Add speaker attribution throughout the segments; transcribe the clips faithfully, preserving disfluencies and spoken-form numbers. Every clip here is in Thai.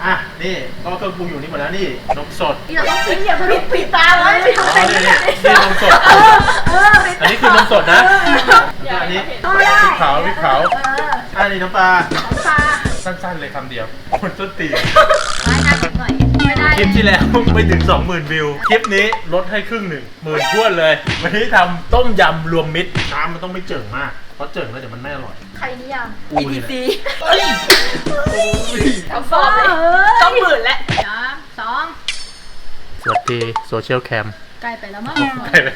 Speaker 1: อ่ะนี่ก็เครื่องปรุงอยู่นี่หมดแล้วนี่นมสด
Speaker 2: นี่เราต้องปิดอย่าปิดปิดตาไว้ปิด
Speaker 1: อ๋อ
Speaker 2: ตา
Speaker 1: นี่นี่นี่นมสด
Speaker 2: เออเออ
Speaker 1: อันนี้คือนมสดนะอันนี้พริกเผาพริกเผาอันนี้น้ำปลา
Speaker 2: ของปลา
Speaker 1: สั้นๆเลยคำเดียวคนต้นตีน
Speaker 2: ไว้หน้าหน่อยไม่ได้
Speaker 1: คลิปที่แล้วไม่ถึง สองหมื่น วิวคลิปนี้ลดให้ครึ่งหนึ่งหมื่นท้วนเลยวันนี้ทำต้มยำรวมมิตรน้ำมันต้องไม่เจิ่งมากเพราะเจิ่งแล้วเดี๋ยวมันไม่อร่อย
Speaker 2: ใครนิยาม
Speaker 1: อูนี่แหละ
Speaker 2: เอ้ย
Speaker 3: ทำฟอร์มเลยต้องหมื่นแล้ว
Speaker 2: สามสอง
Speaker 1: สวัสดีโซเชียลแคม
Speaker 2: ใกล้ไปแล้วมั้ง
Speaker 1: ใช่ไหม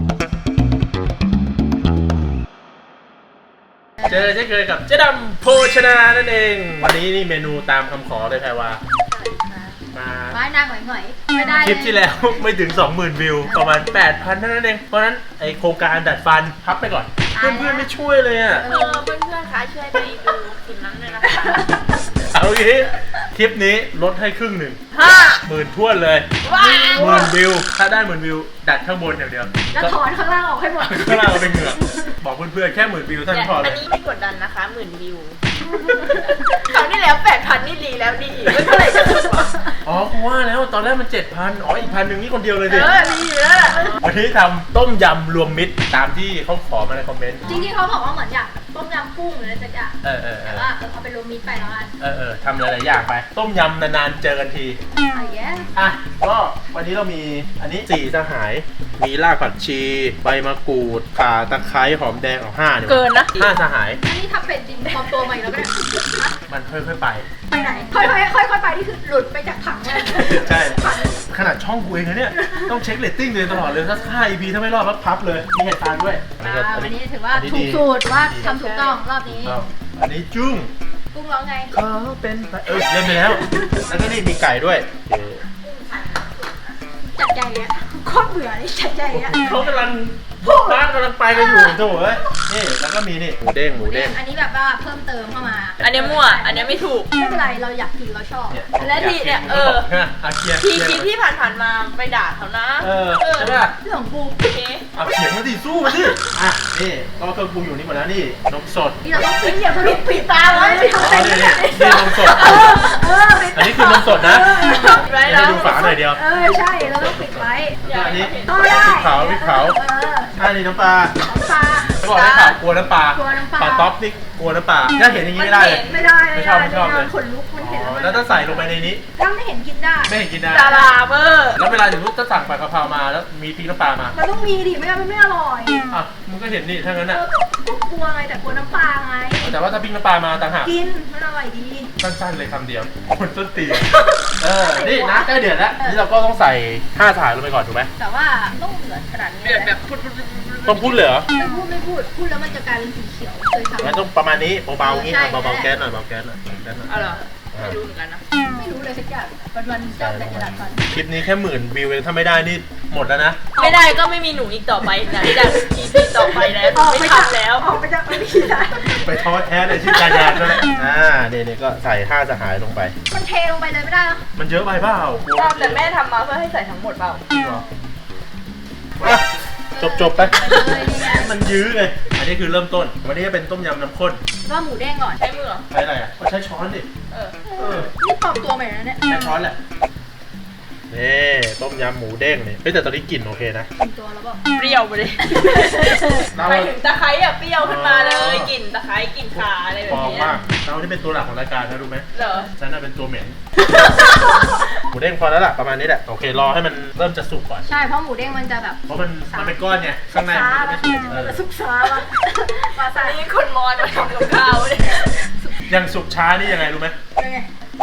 Speaker 1: เจอเช่นเคยกับเจ๊ดำโภชนานั่นเอง วันนี้นี่เมนูตามคำขอเลยแพรวามา
Speaker 2: ไว้หน้าหน่อยๆไม่ได้
Speaker 1: คลิปที่แล้วไม่ถึง สองหมื่น วิวประมาณ แปดพัน เท่านั้นเองเพราะฉะนั้นไอโครงการดัดฟันพับไปก่อน เพื่อนๆไม่ช่วยเลยอ่ะ
Speaker 3: เออเพื่อนๆคะช่วยไปดูคลิปนั้นเลยนะคะ
Speaker 1: เอางี้คลิปนี้ลดให้ครึ่งหนึ่ง
Speaker 3: ห้า
Speaker 1: หมื่นท้วนเลย
Speaker 3: ว้า
Speaker 1: หมื่นวิวถ้าได้หมื่นวิวดัดข้างบนอย่างเดียว
Speaker 2: แล้วถอนข้างล่างออกให้หมด
Speaker 1: ข้างล่างเอาไปเหงือกบอกเพื่อนๆแค่หมื่นวิวเท่านั้นพอเล
Speaker 3: อั
Speaker 1: ย
Speaker 3: นนี้ไม่กดดันนะคะหมื่นวิวคราวที่แล้วแปดพันนี่ดีแล้วดีอีกไม่เท่าไหร่จะถึงวะ
Speaker 1: อ๋อกูว่าแล้วตอนแรกมันเจ็ดพันอ๋ออีกพันหนึ่งนี่คนเดียวเลย
Speaker 3: เอ
Speaker 1: ดิ
Speaker 3: อดีอยู่แล้วล่ะ
Speaker 1: วันนี้ทำต้มยำรวมมิตรตามที่เขาขอมาในคอมเมนต์
Speaker 2: จริงๆเขาบอกว่าเหมือนอยากต้มยำกุ้งหรืออะไรสักอย่าง
Speaker 1: เออเออเอ
Speaker 2: แต่
Speaker 1: อ
Speaker 2: ว่าเออเอาไปรวมมิตรไปแล้วกัน
Speaker 1: เออเออทำหลายๆอย่างไป ต้มยำนานๆเจอกันที
Speaker 2: อะไรแย่
Speaker 1: อ่ะก็วันนี้เรามีอันนี้สี่สหาย มีรากผักชี ใบมะกรูดข่าตะไคร้หอมแดงเอาห้าเนี่ย
Speaker 3: เกินนะ
Speaker 1: ห้าสหาย
Speaker 2: อันนี้ทำเป็นจริงปลอมตัวใหม่แล้วก็ได้
Speaker 1: มันค่อยๆไป
Speaker 2: ไปไหน ค่อยๆค่อยๆไปนี่คือหลุดไปจากถังเลย
Speaker 1: ใช่ ขนาดช่องกูเองนะเนี่ย ต้องเช็คเรตติ้งเลยตลอดเลย ถ้าห้า อี พี ถ้าไม่รอดก็พับเลย มีเหตุการณ์ด้วย
Speaker 2: อ่าวันนี้ถือว่า
Speaker 1: นี้
Speaker 2: ถูก
Speaker 1: ดี
Speaker 2: สูตรว่าทำถูกต้องรอบนี้
Speaker 1: ถูกต้องอันนี้จุ้ง
Speaker 2: กุ้งร้องไง
Speaker 1: เขาเป็นไปเออเล่นไปแล้ว แล้วก็นี่มีไก่ด้วยโอเค
Speaker 2: จัดใจอ่ะโคตรเบื่อนี่จัดใจอ่ะ
Speaker 1: เขากำลังบ้านกำลังไปกันอยู่โถ่เอ้ยนี่แล้วก็มีนี่หมูเด้งหมูเด้ง
Speaker 2: อันนี้แบบว่าเพิ่มเติมเข้ามา
Speaker 3: อันเนี้ยมั่วอันเนี้ยไม่ถูก
Speaker 2: ไม่เป็นไรเราอยากกินเราชอบ
Speaker 1: เนี่ย
Speaker 3: และที่เนี่ยเออ
Speaker 1: อาเคีย
Speaker 3: ทีคลิปที่ผ่านๆมาไปด่าเขานะ
Speaker 1: เออใช่ป่ะ
Speaker 2: เรื่องของกู
Speaker 3: โอเค
Speaker 1: เอาเขียงมาดิสู้มาดิอ่ะนี่ก็เครื่องปรุงอยู่นี่หมดแล้วนี่นมสด
Speaker 2: นี่เราต้องปิดอย่าปิดปิดตาไว้ปิด
Speaker 1: อ๋อ
Speaker 2: ตา
Speaker 1: นี่นี่นี่นมสด
Speaker 2: เออเออปิด
Speaker 1: อันนี้คือนมสดนะ
Speaker 3: ไว้
Speaker 1: ให้
Speaker 3: แล้ว
Speaker 1: ดูฝาหน่อยเดียว
Speaker 2: เออใช่เราต้องปิดไว้
Speaker 1: แล้วก็อันนี้
Speaker 2: ต้องได้
Speaker 1: พริกเผาพริกเผา
Speaker 2: เออ
Speaker 1: อันนี้น้ำปลา
Speaker 2: ของปลา
Speaker 1: เขาบอกให้ข่าวกลัวน้ำปลาก
Speaker 2: ลัวน้ำปลา
Speaker 1: ปลาต๊อกนี่กลัวน้ำปลาถ้าเห็นอย่างนี้ไม่ได้เลย
Speaker 2: ไม่ได้
Speaker 1: ไม่ชอบไม่ชอบเลย
Speaker 2: ขนลุกมันเห็น
Speaker 1: อ๋อ
Speaker 2: มัน
Speaker 1: แล้วถ้าใส่ลงไปในนี้
Speaker 2: ถ้าไม่เห็นกินได้
Speaker 1: ไม่เห็นกินได้
Speaker 3: ดาราเบอร์
Speaker 1: แล้วเวลาอย่างนู้นถ้าสั่งผัดกะเพรามาแล้วมีพริกน้ำปลามา
Speaker 2: มันต้องมีดิไม่งั้นมันไม่อร่อย
Speaker 1: อ่ะมึงก็เห็นนี่ถ้างั้น
Speaker 2: เอ
Speaker 1: น่ะ
Speaker 2: อก็กลัวไงแต่กลัวน้ำปลาไง
Speaker 1: แต่ว่าถ้าพริกน้ำปลามาต่างหาก
Speaker 2: กินมันอร่อยดี
Speaker 1: สั้นๆเลยคำเดียวคนต้นตีนเออนี่นะใกล้เดือดแล้วนี่เราก็ต้องใส่ห้าสายลงไปก่อนถูกไหม
Speaker 2: แต่ว่าต้องเหลือขนาดนี้
Speaker 3: เดือดแบบพุด
Speaker 1: ต้องพูดเลยเหรอ
Speaker 2: ไม่พูดไม่พูดพูดแล้วมันจะกลายเป็นสีเขียวเคยทำ
Speaker 1: งั้นต้องประมาณนี้เบาๆงี้
Speaker 2: ใช่
Speaker 1: เบาๆแก๊สหน่อยเบาแก๊สหน่อยแก๊สหน่อย
Speaker 3: เอาเหรอไม่รู้เหมือนกันนะ
Speaker 2: ไม่รู้เลยสักอย่างวันวันๆเจ้าแต่กระดาษฟัน
Speaker 1: คลิปนี้แค่หมื่นวิวเองถ้าไม่ได้นี่หมดแล้วนะ
Speaker 3: ไม่ได้ก็ไม่มีหนูอีกต่อไปนะที่จะอีพีต่อไปนะไม่ทำแล้ว
Speaker 2: ออกไปจากไม่ได้
Speaker 1: ไปท้อแท้ในชื่อการงานด้วยอ่าเนี่ยเนี่ยก็ใส่ห้าสหายลงไป
Speaker 2: มันเทลงไปเลยไม่ได้หรอ
Speaker 1: มันเยอะไปเปล่า
Speaker 3: แต่แม่ทำมาเพื่อให้ใส่ทั้งหมดเปล่า
Speaker 1: จริงเหรออ่ะจบจบๆไป
Speaker 2: เลยนี่ไง
Speaker 1: มันยื้อไงอันนี้คือเริ่มต้น วันนี้จะเป็นต้มยำน้ำข้น
Speaker 2: ว่าหมูแดงก่อน
Speaker 3: ใช้มือเหรอ
Speaker 1: ใช้อะไรอ่ะก็ใช้ช้อนดิ
Speaker 3: เออ
Speaker 1: เออ
Speaker 2: นี่ปลอมตัวใหม่แล้วเนี่ย
Speaker 1: ใช้ช้อนแหละนี่ต้มยำหมูเด้งนี่เฮ้ยแต่ตอนนี้กลิ่นโอเคนะ
Speaker 2: ปลอมตัวแล้วบอก
Speaker 3: เปรี้ยวไปเลย
Speaker 1: เรา
Speaker 3: ไปถึงตะไคร้อะเปรี้ยวขึ้นมาเลยกลิ่นตะไคร้กลิ่นข่าอะไรแบ
Speaker 1: ปล
Speaker 3: บ
Speaker 1: อม
Speaker 3: นี้
Speaker 1: มากเราที่เป็นตัวหลักของรายการนะรู้ไหม
Speaker 3: เหรอ
Speaker 1: ฉันน่ะเป็นตัวเหม็น หมูเด้งพอแล้วล่ะประมาณนี้แหละโอเครอให้มันเริ่มจะสุกก่อน
Speaker 2: ใช่เพราะหมูเด้งมันจะแบบ
Speaker 1: เพราะมันมันเป็นก้อนไงข้างในมันจะไม่สุกเออ
Speaker 2: ซุกซาว่ะมา
Speaker 3: อั
Speaker 2: ใส่
Speaker 3: นนี้คนมอนมาทำกับข้าวเนี่ย
Speaker 1: อย่างสุกช้านี่ยังไงรู้ไหม
Speaker 2: ยังไง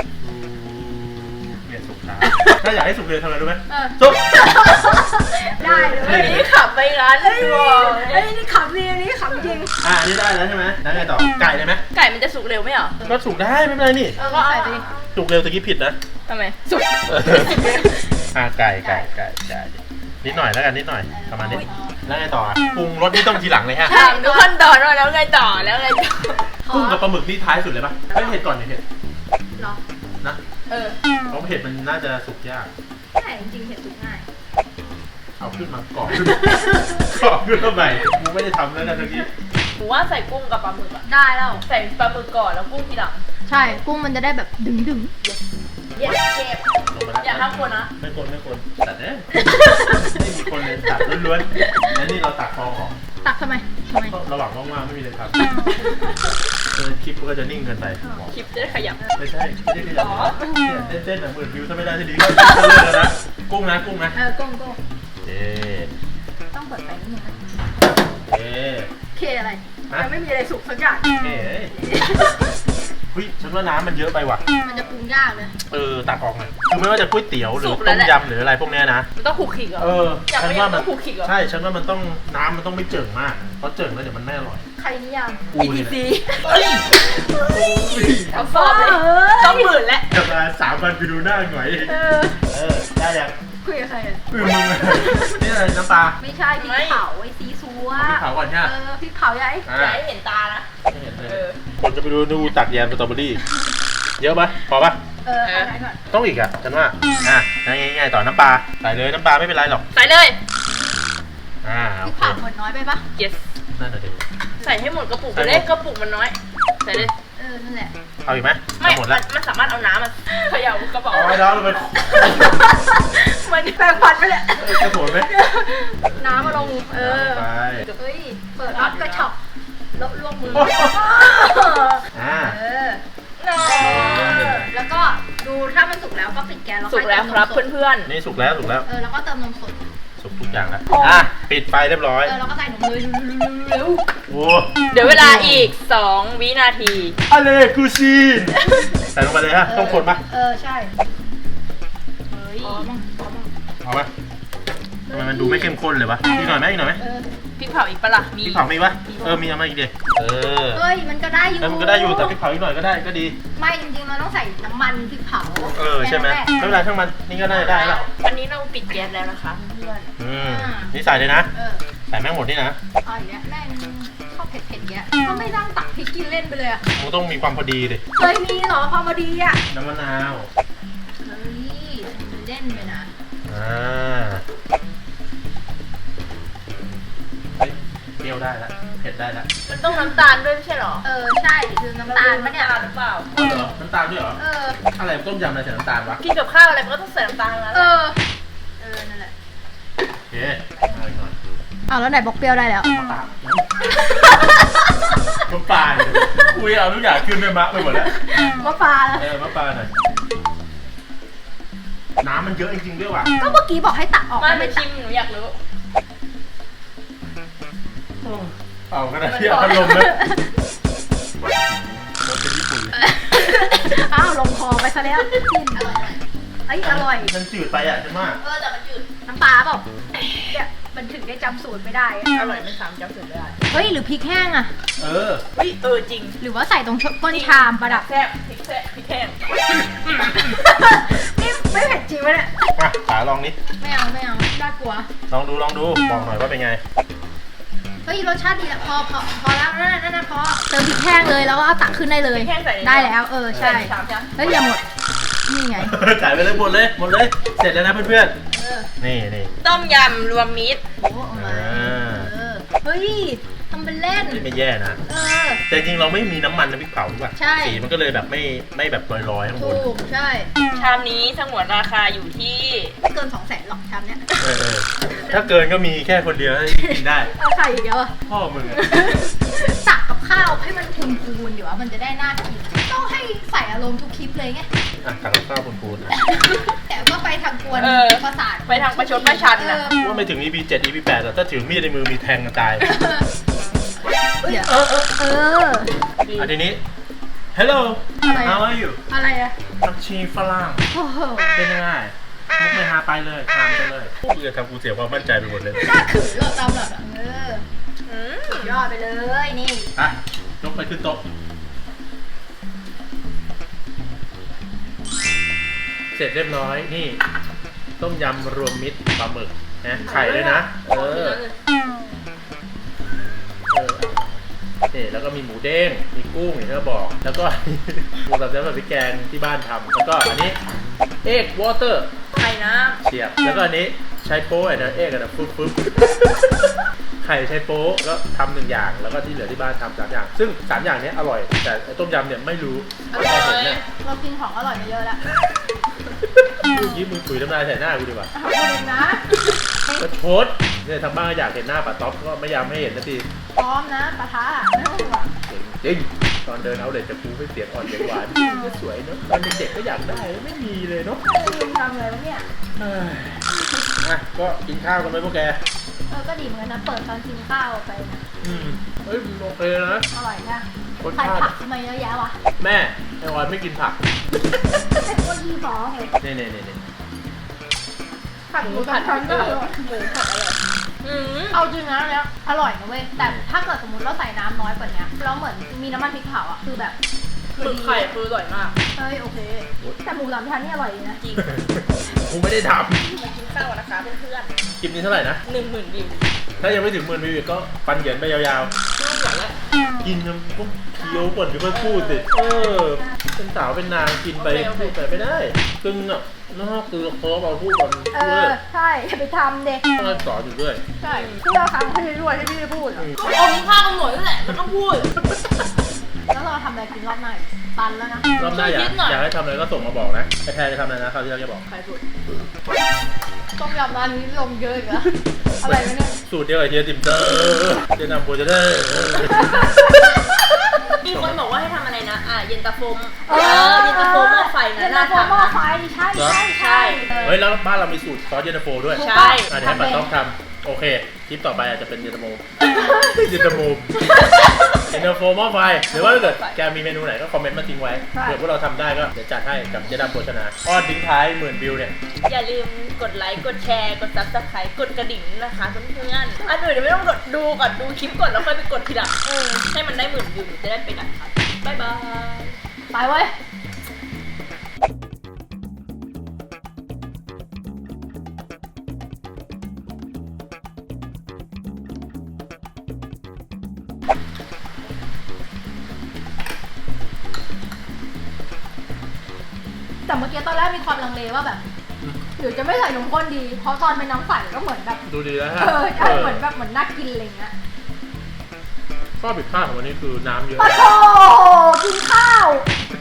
Speaker 1: เนี่ยสุกช้าถ้าอยากให้สุกเร็วทำอะไรรู้ไหม
Speaker 2: เออ
Speaker 1: สุก
Speaker 2: ได้เลย
Speaker 3: อันนี้ขับไปร้าน
Speaker 2: เฮ้ย
Speaker 3: ตัว
Speaker 2: เฮ้ยนี่ขำดีอันนี้ขำจริง
Speaker 1: อ่ะอันนี้ได้แล้วใช่ไหมแล้วไงต่อไก่เลยไหม
Speaker 3: ไก่มันจะสุกเร็วไหมเหรอ
Speaker 1: ก็สุกได้ไม่เป็นไรนี่
Speaker 2: เออก็ใส่ไปดิ
Speaker 1: สุกเร็วตะกี้ผิดนะ
Speaker 3: ทำไมสุก
Speaker 1: อ่ะไก่ไก่ไก่ไก่นิดหน่อยแล้วกันนิดหน่อยประมาณนี้แล้วไงต่ออ่ะปรุงรสนี่ต้องทีหลังเลยฮะ
Speaker 3: ถามทุกขั้นตอนว่าแล้วไงต่อแล้วไงต่อ
Speaker 1: กุ้งกับปลาหมึกนี่ท้ายสุดเลยปะไม่เผ็ดก่อนเนี่ยเผ็ด
Speaker 2: เหรอ
Speaker 1: นะ
Speaker 3: เออ
Speaker 1: เพราะเผ็ดมันน่าจะสุกยาก
Speaker 2: ใช่จริงๆเห็ดสุกง่าย
Speaker 1: เอาขึ้นมากรอบขึ้นกรอบขึ้นมาใหม่กูไม่ได้ทำแล้วนะเมื่อกี้
Speaker 3: หนูว่าใส่กุ้งกับปลาหมึกอะ
Speaker 2: ได้แล้ว
Speaker 3: ใส่ปลาหมึกก่อนแล้วกุ้งทีหลัง
Speaker 2: ใช่กุ้งมันจะได้แบบดึงดึง
Speaker 3: yes ห้ามคนนะ
Speaker 1: ไม่คนไม่คนตัดเนี่ยไม่มีคนเลยตัดล้วนๆแล้วนี่เราตัดฟองออก
Speaker 2: ตักทำไมทำไม
Speaker 1: ก็ระหว่างว่างๆไม่มีอะไรทำเออคลิปก็จะนิ่งเกินไป
Speaker 3: คลิปจะได้ขยับ
Speaker 1: ไม่ใช่ไม่ได้ขยับนะเต้นๆแบบหมื่นวิวถ้าไม่ได้ทีนี้ก็จะเลิกแล้วนะกุ้งนะกุ้งนะ
Speaker 2: เออโก้งโก้ง
Speaker 1: เอ๊
Speaker 2: ต้องเปิดไฟนิดนึงนะ
Speaker 1: เอ๊
Speaker 2: เคอะไรยังไม่มีอะไรสุกสักอย่าง
Speaker 1: เอ๊เฮ้ยฉันว่าน้ำมันเยอะไปว่ะ
Speaker 2: มันจะปรุงยากเลย
Speaker 1: เออตักออกหน่อยคือไม่ว่าจะก๋วยเตี๋ยวหรือต้มยำหรืออะไรพวกเนี้ยนะ
Speaker 3: มันต้องขูกขิกเหรอ
Speaker 1: เออ
Speaker 3: อยาก
Speaker 1: ฉัน
Speaker 3: ไม่อยา
Speaker 1: ว่าก มั
Speaker 3: ต้อน งขูกขิกเหรอ
Speaker 1: ใช่ฉันว่ามันต้องน้ำมันต้องไม่เจิ่งมากเพราะเจิ่งแล้วเดี๋ยวมันไม่อร่อย
Speaker 2: ใครนิยาม
Speaker 1: กูนี่แหละ
Speaker 3: เฮ้ยเอาฟอร์มเลยต้องหมื่นแล้ว
Speaker 1: จะมาสามพันไปดูหน้าหน่อย
Speaker 2: เออ
Speaker 1: เออได้ยัง
Speaker 2: คุยกับใครอ่ะ
Speaker 1: อืมมึงนี่อะไรน้ำปลา
Speaker 2: ไม่ใช่พริกเผาไอ้ซีซัว
Speaker 1: พริกเผาก่อนใช่ไหม
Speaker 2: เออพริกเผาใหญ่
Speaker 1: อ่า
Speaker 3: อย่าให้เห็นตานะ
Speaker 1: ไม่เห็นเล
Speaker 3: เอย อ
Speaker 1: ผมจะไปดูดูตักแยมสตรอเบอรี่เยอะปะพอปะ
Speaker 2: เออเอาไหนก่อน
Speaker 1: ต้องอีกอ่ะฉันว่าอ่ะง่ายๆต่อน้ำปลาใส่เลยน้ำปลาไม่เป็นไรหรอก
Speaker 3: ใส่เลย
Speaker 1: อ่า
Speaker 2: พ
Speaker 1: โอ
Speaker 2: ริก
Speaker 1: เค
Speaker 2: เผาหมดน้อยไปปะ
Speaker 3: yes
Speaker 1: นั่นน่ะดิ
Speaker 3: ใส่ให้หมดกระปุก
Speaker 1: ใส่
Speaker 3: ไป
Speaker 1: หมด
Speaker 3: เลยกระปุกมันน้อย ใส่เลย
Speaker 2: เออนั่นแหละ
Speaker 1: เอาอีกไหม
Speaker 3: ไม่
Speaker 1: เอาหมด
Speaker 3: มั
Speaker 1: แล้ว
Speaker 3: นมันสามารถเอาน้ำมาเขย่ากระเป๋า
Speaker 1: เอาไว้แล้วเราไป
Speaker 2: มันแปลงฟันไปเลย
Speaker 1: เออกระโดดไหม
Speaker 2: น้ำมาลงเออ
Speaker 1: ไป
Speaker 2: เฮ้ยเปิดรับกระฉับแล้วลวงมือ
Speaker 1: อ่า
Speaker 2: เออ แล้วก็ดูถ้ามันสุกแล้วก็ปิดแก๊สแล้ว
Speaker 3: สุ
Speaker 2: ค่
Speaker 3: ก
Speaker 2: อย
Speaker 3: แล้ว
Speaker 2: เติม
Speaker 3: ครับ
Speaker 2: นมสด
Speaker 3: เพื่อน
Speaker 1: นี่สุกแล้วสุกแล้ว
Speaker 2: เออแล้วก็เติมนมสด
Speaker 1: สุกทุกอย่างแล้วอ่ะปิดไฟเรียบร้อย
Speaker 2: เออแล้วก็ใส่นมเลยเร็ว
Speaker 1: โอ้
Speaker 3: ๆ เดี๋ยวเวลาอีก สอง วินาที
Speaker 1: อะไรกูชีนใส่ลงไปเลยฮะต้องคนปะ
Speaker 2: เออใช่เฮ้ยพอมั้งพอมั้ง
Speaker 1: เอาปะทำไมมันดูไม่เข้มข้นเลยวะอีกหน่อยไหมอีกหน่อยไหม
Speaker 2: เออ
Speaker 3: พริกเผาอีกปะล่ะ มี
Speaker 1: พริกเผามีปะเออมีเอามาอีกเดียเออ
Speaker 2: เฮ้ยมันก็ได้อยู่
Speaker 1: แล้วมันก็ได้อยู่แต่พริกเผาอีกหน่อยก็ได้ก็ดี
Speaker 2: ไม่จริงๆมันต้องใส่น้ำมันพริกเผา
Speaker 1: เออใช่ไหมไม่เป็นไรช่างมันนี่ก็ได้ได้แล้ว
Speaker 3: อันนี้เราปิดแก๊สแล้วนะคะเพื่อน
Speaker 1: อืมนี่ใส่เลยนะ
Speaker 2: เออ
Speaker 1: ใส่แม่งหมดนี่นะ
Speaker 2: เอาอย่างเงี้ยแม่งชอบเผ็ดๆเงี้ยก็ไม่ตั้งตักพริกกินเล่นไปเลยอะ
Speaker 1: มันต้องมีความพอดีดิ
Speaker 2: เคยมีเหรอพอมาดีอะ
Speaker 1: น้ำมะนาว
Speaker 2: เฮ้ยมันเล่นไปนะ
Speaker 1: อ่าเฮ้ยเปรี้ยวได้แล้วเผ็ดได้แล้ว
Speaker 3: มันต้องน้ำตาลด้วยไม่ใช่เหรอ
Speaker 2: เออใช่คือน้ำตาลปะเนี่ย
Speaker 3: หรือเปล่า
Speaker 1: อ๋อเหรอน้ำตาลด้วยเหรอ
Speaker 2: เออ
Speaker 1: อะไรต้มยำอะไรใส่น้ำตาลวะ
Speaker 3: กินกับข้าวอะไรมันก็ต้องใส่น้ำตาลทั้งนั้น
Speaker 2: เอ
Speaker 3: แหละ
Speaker 2: อ เออ นั่นแหละ
Speaker 1: โอเคเอาอีกหน่อย
Speaker 2: อ้าวแล้วไหนบอกเปรี้ยวได้แล้ว
Speaker 1: น้ำตาลน้ำปลาเนี่ยคุยเอาทุกอย่างขึ้นไปมะไปหมดแล้ว
Speaker 2: มะปลา
Speaker 1: เออมะปลาหน่อยน้ำมันเยอะจริงๆด้วยว่ะ
Speaker 2: ก็เมื่อกี้บอกให้ตักออก
Speaker 3: มาไป
Speaker 2: ไม่
Speaker 3: ชิมหนูอยากรู้
Speaker 1: เอากระดาษที่เอาพัดลมนะรสเป็นญี่ปุ่นเลย
Speaker 2: อ้าวลงคอไปซะแล้วกินอร่อยเอ้ยอร่อย
Speaker 1: มันจืดไปอ่ะใช่ไหม
Speaker 3: เออแต่มันจืด
Speaker 2: น้ำปลาเปล่าเนี่ยมันถึงได้จำสูตรไม่ได้อะ
Speaker 3: อร่อยไม่ซ้ำจำสูตรไม่ได้
Speaker 2: เฮ้ยหรือพริกแห้งอะ
Speaker 1: เออ
Speaker 3: เฮ้ยเออจริง
Speaker 2: หรือว่าใส่ตรงก้นชามประดับ
Speaker 3: แซ่บพริกแซ่บพริกแห้ง
Speaker 2: นี่ไม่เผ็ดจริงวะเนี่ย
Speaker 1: มาขาลองนี้
Speaker 2: ไม่เอาไม่เอาน่ากลัว
Speaker 1: ลองดูลองดูบอกหน่อยว่าเป็นไง
Speaker 2: เฮ้ยรสชาติดีอะพอพอพอแล้วนั่นน่ะนั่นน่ะพอเติมพริกแห้งเลยแล้วก็เอาตักขึ้นได้เลย
Speaker 3: พริกแห้งใส่ใน
Speaker 2: ได้แล้วเออใช่
Speaker 3: ใส่ชามใช่ไหม
Speaker 2: เฮ้ยอย่าหมดนี่ไง
Speaker 1: จ่ายไปเลยหมดเลยหมดเลย เสร็จแล้วนะเพื่อน
Speaker 2: เออ
Speaker 1: ๆนี่นี่
Speaker 3: ต้มยำรวมมิตร
Speaker 2: โอ้เอามาเออเฮ้ยทำเป็นเล่น
Speaker 1: นี่ไม่แย่นะ
Speaker 2: เออ
Speaker 1: แต่จริงๆเราไม่มีน้ำมันน้ำพริกเผาถูกป่ะ
Speaker 2: ใช่
Speaker 1: สีมันก็เลยแบบไม่ไม่แบบลอยๆข้างบน
Speaker 2: ถูกใช่
Speaker 3: ชามนี้สงวนราคาอยู่ที่
Speaker 2: ไม่เกินสองแสนหรอกชามเนี้ย
Speaker 1: เออเออถ้าเกินก็มีแค่คนเดียวที่กินได้
Speaker 2: เอาใส่อีกแล้วอะ
Speaker 1: พ่อมึงอะ
Speaker 2: ตักกับข้าวให้มันพูนพูนๆเดี๋ยวมันจะได้น่ากินต้องให้ใส่อารมณ์ทุกคลิปเลยไง
Speaker 1: อ่ะตักกับข้าวปูนๆอ่ะ
Speaker 2: แต่ก็ไปทางกวน
Speaker 3: เออ
Speaker 2: ประสาท
Speaker 3: ไปทางประชดประชัน
Speaker 2: เอ
Speaker 3: นะ
Speaker 2: อ
Speaker 1: ว่าไม่ถึง อี พี เจ็ด อี พี แปดแต่ถ้าถือมีดในมือมีแทงกันตาย
Speaker 2: เดี๋ยวเออเออเออ
Speaker 1: อ่ะทีนี้ Hello
Speaker 2: อะไรอะ
Speaker 1: How are you
Speaker 2: อะไรอะ
Speaker 1: ผักชีฝรั่ง
Speaker 2: โอ้โห
Speaker 1: เป็นยังไงมุกไม่หาไปเลยทานไปเลยพวกมึงจะทำกูเสียความมั่นใจไปหมดเลย
Speaker 2: น่าขืนเราตามแบบเออ
Speaker 3: อืม
Speaker 2: สุดยอดไปเลยนี่
Speaker 1: อ่ะยกไปขึ้นโต๊ะ เสร็จเรียบร้อยนี่ ต้มยำรวมมิตรปลาหมึกนะไข่ด้วยนะ เออ เออนี่แล้วก็มีหมูเด้ง มีกุ้งอย่างที่เราบอก แล้วก็ หมูสับแซ่บแบบพริกแกงที่บ้านทำแล้วก็อันนี้เอ็กวอเตอร์
Speaker 3: ไข่น้
Speaker 1: เฉียบ แล้วก็อันนี้ใช้โป๊ะไอ้นะเอ็กอะนะฟึ๊บฟึ๊บ ไข่ใช้โป๊ะก็ทำหนึ่งอย่าง แล้วก็ที่เหลือที่บ้านทำสามอย่าง ซึ่งสามอย่างนี้อร่อย แต่ไอ้ต้มยำเนี่ยไม่รู้
Speaker 3: ำอ
Speaker 1: ไม่
Speaker 3: ร่
Speaker 1: เคยเห็น
Speaker 3: อย
Speaker 1: เนี่ย
Speaker 2: เรากินของอร่อยมาเยอะแล้ว
Speaker 1: เมื่อกี้มึงถุยน้ำลายใส่หน้ากูดีกว่า
Speaker 2: เอาพูดเองนะ
Speaker 1: ก็ชดเนี่ยทางบ้านก็อยากเห็นหน้าป้าต๊อปก็ไม่ยอมให้เห็นสักที
Speaker 2: พร้อมนะปะทะไม่ต้องห่วง
Speaker 1: จริงตอนเดินเอาเด็ดจะปูไม่เสียงอ่อนเสียงหวานก็สวยเนาะตอนเด็กๆก็อยากได้ไม่มีเลยเนาะ
Speaker 2: ลืมทำเลยวะเนี่ย
Speaker 1: เอ้ยอ่ะก็กินข้าวกันไหมพวกแก
Speaker 2: เออก็ดีเหมือนกันนะเปิดตอนกินข้าวไปนะ
Speaker 1: อืมเฮ้ยมันโอเคนะ
Speaker 2: อร่อยนะ
Speaker 1: รส
Speaker 2: ใส่
Speaker 1: ชาติ
Speaker 2: ผักทำไมเยอะแยะวะ
Speaker 1: แม่ไอออยไม่กินผัก
Speaker 2: เป็นพวกยี่ห้อเหรอ
Speaker 1: นี่นี่นี่นี่
Speaker 2: ผักหมูผัดพันก็อร่อย
Speaker 3: หมูผัดอร่อยอืม
Speaker 2: เอาจริงนะแล้วอร่อยนะเว้ยแต่ถ้าเกิดสมมติเราใส่น้ำน้อยกว่านี้แล้วเหมือนมีน้ำมันพริกเผาอ่ะคือแบบ
Speaker 3: หมึกไข่คืออร่อยมาก
Speaker 2: เฮ้ยโอเคแต่หมูสามชั้นนี่อร่อยดีนะ
Speaker 3: จริง
Speaker 1: กูไม่ได้ท
Speaker 3: มากินข้าวนะคะเพื่อน
Speaker 1: ำคลิปนี้เท่าไหร่นะ
Speaker 3: ๆหนึ่งหมื่นวิว
Speaker 1: ถ้ายังไม่ถึงหมื่นวิวอีกก็ปันเหยินไปยาว
Speaker 3: ไม่ไหวแล้ว
Speaker 1: ๆ กินจนต้องเคี้ยวก่อนถึงค่อยพูดสิเออเป็นสาวเป็นนางกินไปพูดไปไม่ได้ซึ่งอ่ะนอกคือเพราะเราพูดก่อน
Speaker 2: เอ
Speaker 1: เพื่
Speaker 2: อ
Speaker 1: อ
Speaker 2: ใช่อย่าไปทำเด็ก
Speaker 1: ต้องสอนอยู่ด้วย
Speaker 2: ใช่เพื่อครั้งให้ด้วยที่พี่พูดอะ
Speaker 3: ก็อมข้าวกันหมดนั่นแหละมันต้องพูด
Speaker 2: แล้วเราทำอะไรกินรอบหน้าอีกตันแล้วนะ
Speaker 1: รอบหน้าอยาก
Speaker 3: คิดหน่อย
Speaker 1: อยากให้ทำอะไรก็ส่งมาบอกนะไอแพรจะทำอะไรนะคราวที่เราจะบอก
Speaker 3: ใครพูด
Speaker 2: ต้มยำร้านนี้ลงเยอะอีกแล้วอะไรวะเนี่ย
Speaker 1: สูตรเดียวกับเฮียติมเตอร์เจนำโปรเจเตอร์
Speaker 3: มีคนบอกว่าให้ทำอะไรนะ อ่ะเย็นตาโฟม
Speaker 2: เอ
Speaker 3: เอ
Speaker 2: อ
Speaker 3: อเย็นตาโฟหม้อไฟ
Speaker 2: เย็
Speaker 3: นะ
Speaker 2: น
Speaker 3: น่า
Speaker 2: ตาโฟ
Speaker 3: ทำ
Speaker 2: หม้อ
Speaker 3: นะ
Speaker 2: ไฟใช่ใช่ใช่ออ
Speaker 1: เฮ้ยแล้วบ้านเรามีสูตรซอสเย็นตาโฟด้วย
Speaker 2: ถูก
Speaker 3: ใช่
Speaker 2: ปะ
Speaker 1: อ่ะเดี๋ยวให้ป้า
Speaker 2: ทำ
Speaker 1: ต้
Speaker 2: เป็
Speaker 1: อน งทำโอเคคลิปต่อไปอาจจะเป็นเย็นตาโฟเย็นตาโฟเย็นตาโฟหม้อไฟหรือว่าถ้าเกิดแกมีเมนูไหนก็คอมเมนต์มาทิ้งไว้เผื่อพวกเราทำได้ก็เดี๋ยวจัดให้กับเจดำโภชนาอ้อนทิ้งท้ายหมื่นวิวเนี่ย
Speaker 3: อย่าลืมกดไลค์ กดแชร์ กดซับสไครต์กดกระดิ่งนะคะเพื่อนๆอันอื่นเดี๋ยวไม่ต้องกดดูก่อนดูคลิปก่อนแล้วค่อยไปกดทีหลังเออให้มันได้หมื่นวิวจะได้ไปดักครับบ๊ายบาย
Speaker 2: ไปเว้ยแต่เมื่อกี้ตอนแรกมีความลังเลว่าแบบหรือจะไม่ใส่นมข้นดี เพราะตอนเป็นน้ำใสก็เหมือนแบบ
Speaker 1: ดูดีแล้วฮะ
Speaker 2: เออใช่เหมือนแบบเหมือนน่ากินอะไรเงี้ย
Speaker 1: ข้อผิดพลาดของวันนี้คือน้ำเยอะ
Speaker 2: ปะโถกินข้าว